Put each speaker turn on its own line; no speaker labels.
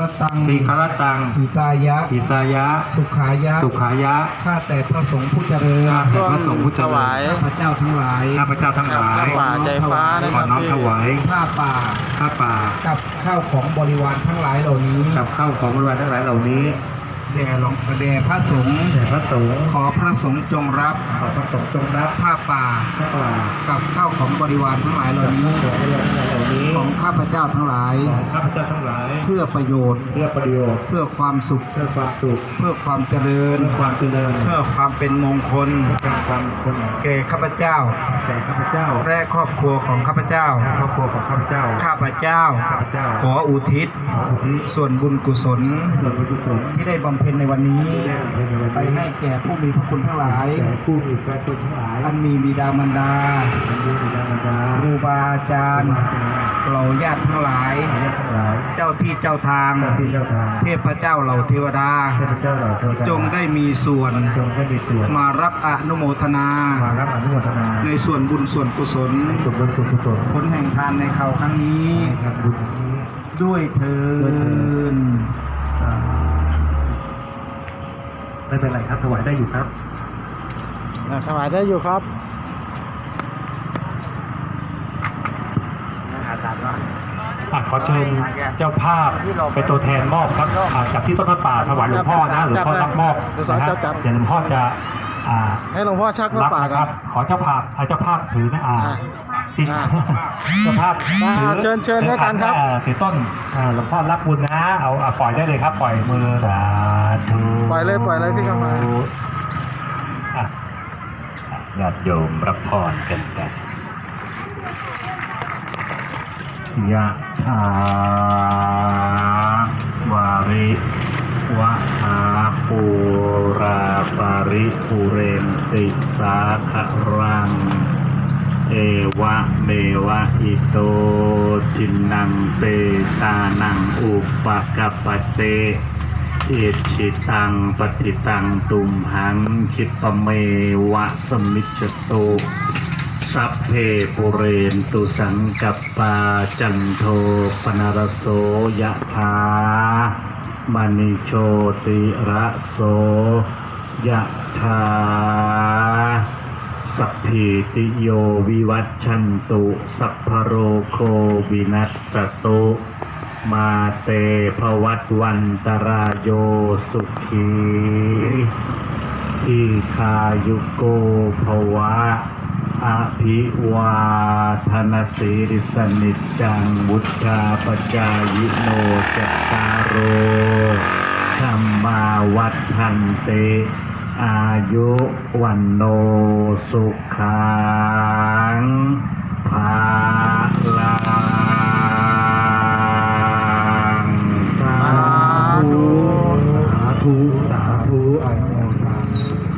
ตัง
ทีฆรตัง
หิตายะ
หิตายะ
สุขายะ
สุขายะ
ข้าแต่พระสงฆ์ผู้เจริญ
ข้าแต่พระสงฆ์ผู้เจ
ถ
ริ
วา
ญ
ย
ข้าพเจ้าทั้งหลาย
ข้าพเจ้าทั้งหลาย
ป่าใจฟ้านะ
ข
ค
อ
รับ
น้อมถวาย
ผ้าป่า
ข้าป่า
กับข้าวของบริวารทั้งหลายเหล่านี้
กับข้าวของบริวารทั้งหลายเหล่านี้
แด่พระสงฆ์
แด่พระสงฆ์
ขอพระสงฆ์จงรับ
ขอพระสงฆ์จงรับ
ผ้าป่า
ข้าป่า
กับข้าวของบริวารทั้งหลายเหล่านี้
ของบริวารทั้งหลายเหล่านี้
ของข้าพเจ้าทั้งหลาย
ของข้าพเจ้าทั้งหลาย
เพื่อประโยชน์
เพื่อประโยชน์
เพื่อความสุข
เพื่อความสุข
เพื่อความเจริญ
เพื่อความเจริญ
เพื่อความเป็นมงคล
เพื่อความคน
แก่ข้าพเจ้า
แก่ข้าพเจ้า
และครอบครัวของข้าพเจ้า
และครอบครัวของข้าพเจ้า
ข้าพเจ้า
ข้าพเจ้า
ขออุทิศ
ขออุทิศ
ส่วนบุญกุศล
ส่วนบุญกุศล
ที่ได้บำเพ็ญในวันนี้
ที่ได้บำเพ็ญในวันนี้
ไปให้แก่ผู้มีพระคุณทั้งหลาย
แก่ผู้มีพระคุณทั้งหลาย
อันมีบิดามารดา
อันมีบิดามารดา
ครูบาอาจารย์เหล่าญาติทั้งหลาย
ญาติทั้งหลาย
เจ้าที่เจ้าทาง
เจ้าที่เจ้าทาง
เทพเจ้าเหล่าเทวดา
เทพเจ้าเหล่าเทวดา
จงได้มีส่วน
จงได้มีส่วน
มารับอนุโมทนา
มารับอนุโมทนา
ในส่วนบุญส่วนกุศล
ส่วนบุญส่วนกุศล
ผลแห่งทานในคราวครั้งนี้
ในบุญนี้
ด้วยเทิน
ไม่เป็นไรครับถวายได้อยู่ครับ
ถวายได้อยู่ครับ
ขอเชิญเจ้าภาพเป็นตัวแทนมอบครับจากที่ต้นพระป่าถวายหลวงพ่อนะหลวงพ่อรับมอบนะฮะเดี๋ยวหลวงพ่อจะ
ให้หลวงพ่อชัก
รั
มา
บ
ป่า
นะ
ค
ค
รั
รับ บขอเจ้าภาพเจ้าภาพถือนะจริง เจ้าภาพถือ
เชิญด้วยกันครับ
ถือต้นหลวงพ่อรับบุญนะเอาปล่อยได้เลยครับปล่อยมือสาธุ
ปล่อยเลยพี่เข้ามา
ญาติโยมรับพรกันยะถาวาริวะหาปูราปาริปุเรนติสาครังเอวะเมวะอิโตจินังเปตานังอุปกัปปเตอิชิตังปฏิตังตุมหังคิปะเมวะสมิจจตุสัพเพปุเรนตุสังกัปปาจันโทปนรสโสยะถามณิโชติระโสยะถาสัพพิติโยวิวัชชันตุสัพพโรโควินัสสตุมาเตภวัตวันตรายโยสุขีทีคายุโกภวะอภิวาทนาสีริสนิจจังบุตธาปจายโนจัตตารโรธรรมาวัฏทันเตอายุวันโนสุขังภาลังสาธุสาธุสาธุอนุโมทนา